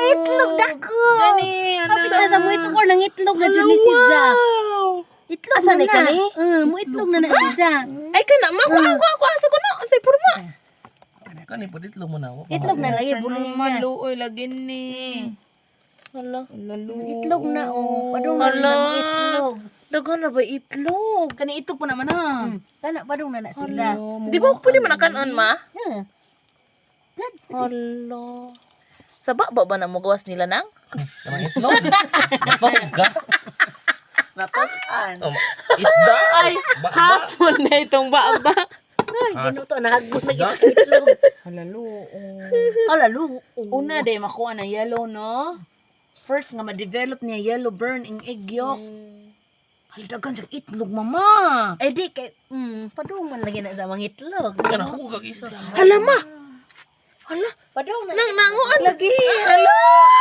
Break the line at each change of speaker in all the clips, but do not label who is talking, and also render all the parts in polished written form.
itlog dako.
Gani,
Kapag sa mo itlog nang itlog na dyan ni Sidza. Itlog
Asa
na
ni kani?
mo itlog na Sidza.
Ay kana ako asa ko na say porma.
Kani pa ditlo mo na.
Itlog na lagi
Sa
buloy
naman,
niya.
luoy, lagin ni.
Hala.
Lalo.
Itlog na padung na sa mo itlog.
Daghan na ba itlog?
Kani ito po naman ah.
Kana padung na Sidza.
Di ba pwede man kanon ma?
Gad.
Hala. Sa baba ba na mo gawas nila nang?
Kanang itlog. Matog ka.
Napakan.
Isda.
Ay, hapon na itong baba.
Ay, ginuto na hagos na
Isda?
itlog.
Halalo.
Halalo.
Una day makuha na yellow, no? First nga ma-develop niya yellow burn ing egg yolk. Halidagan siya itlog, mama.
Eh di kay padung man lagi na sa mga itlog.
Kanang hugag isa.
Hala ma. Hala.
Padung na.
Nang nanguan.
Lagi, hala.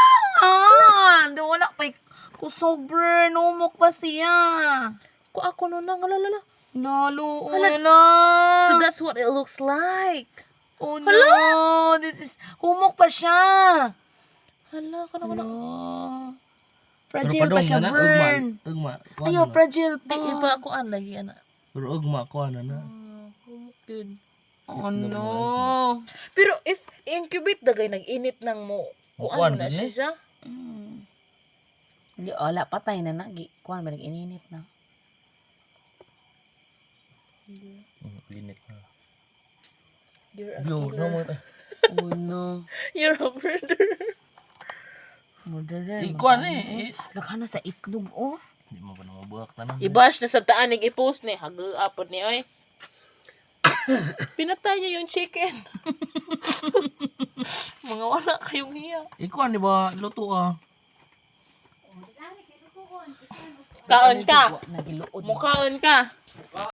Wala pa kusober, numok pa siya.
Ko ako no nang lalala.
Nalo,
Hala.
na.
So that's what it looks like.
Oh no, this is, humok pa siya.
Hala, kana kana.
Fragile pa siya, burn.
Ugma.
Ayaw, fragile
Di
pa.
iba ako an lagi ana.
Pero ugma ko na na.
Good.
Oh no.
Pero if incubate dagay nag-init nang mo.
Kuan
Kuan na
din eh.
siya.
Hindi, wala, patay na nagi. Kuhan ba nag-ininit na?
Linit na.
You're a
Blue,
killer.
no mo.
Oh no.
You're a murderer.
Murderer.
Ikuan eh.
Laghan na sa itlog, oh.
Hindi mo pa na mabuhak tanan.
I-bash na sa taanig i-post ni. Hag-apod ni oy. Pinatay niya yung chicken. Mga wala kayong hiya.
Ikuan di ba luto ah.
Kaon ka.
Nagiluod.
Mukhaon ka.